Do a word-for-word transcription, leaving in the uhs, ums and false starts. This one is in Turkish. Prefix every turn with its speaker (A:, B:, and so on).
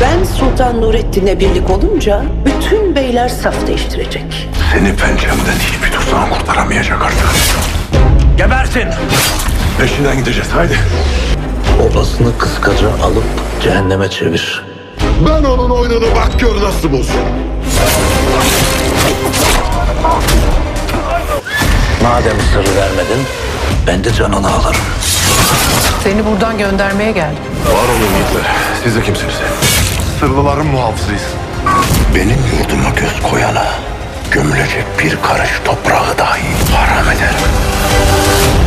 A: Ben Sultan Nurettin'le birlik olunca bütün beyler saf değiştirecek.
B: Seni pençemden hiçbir tuzağın kurtaramayacak artık.
C: Gebersin!
B: Peşinden gideceğiz haydi.
C: Obasını kıskaca alıp cehenneme çevir.
B: Ben onun oyununu bak gör nasıl bozuyorum.
C: Madem sırrı vermedin, ben de canını alırım.
D: Seni buradan göndermeye geldim.
B: Var olun yiğitler. Siz de kimsiniz? Sırlıların muhafızıyız. Benim yurduma göz koyana gömülecek bir karış toprağı dahi haram ederim.